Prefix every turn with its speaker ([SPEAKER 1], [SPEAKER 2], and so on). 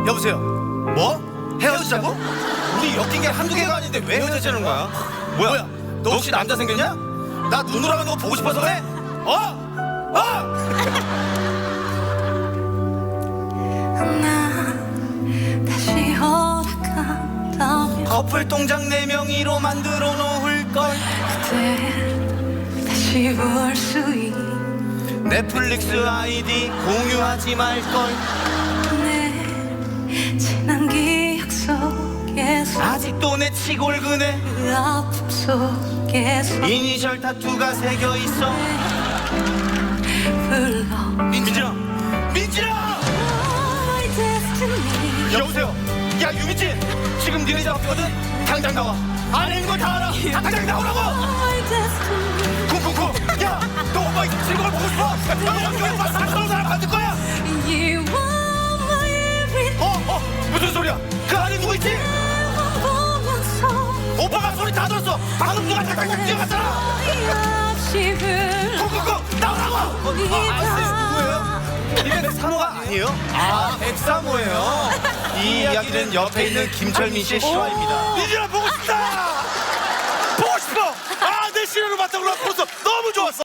[SPEAKER 1] 여보세요. 뭐? 헤어지자고? 우리 엮인 게 한두 개가 아닌데 왜 헤어지자는 거야? 뭐야? 너 혹시 남자 생겼냐? 나 눈으로 하는 거 보고 싶어서 그래?
[SPEAKER 2] 나 다시 허락한다면
[SPEAKER 1] 커플 동작 4명이로 만들어 놓을걸.
[SPEAKER 2] 그때 다시 볼 수 있.
[SPEAKER 1] 넷플릭스 아이디 공유하지 말걸.
[SPEAKER 2] 내 지난 기억 속에서
[SPEAKER 1] 아직도 내 치골근에
[SPEAKER 2] 그 아픔 속에서
[SPEAKER 1] 이니셜 타투가 새겨있어.
[SPEAKER 2] 불러
[SPEAKER 1] 민진아! 민진아!
[SPEAKER 2] My destiny.
[SPEAKER 1] 여보세요. 야 유민진, 지금 니네 잡았거든. 당장 나와. 안에 있는 걸 다 알아. 당장 나오라고.
[SPEAKER 2] My destiny.
[SPEAKER 1] 쿵쿵쿵. 야, 너 엄마 지금 걸 보고 싶어? 너 여기 왜 와서 사는 사람 만들 거야?
[SPEAKER 2] You are my everything.
[SPEAKER 1] 무슨 소리야? 그 안에 누구 있지?
[SPEAKER 2] 보면서
[SPEAKER 1] 오빠가 소리 다 들었어. 방금 누가 탁탁탁 뛰어갔잖아.
[SPEAKER 2] 없이
[SPEAKER 1] 쿵쿵쿵 나오라고. 누구예요? 이게 백삼호가 아니에요? 아, 백삼호예요. 이 이야기는 옆에 있는 김철민 씨의 실화입니다. 민진아 보고 싶다. 보고 싶어. 아, 내 실화로 봤다고 벌써 너무 좋았어.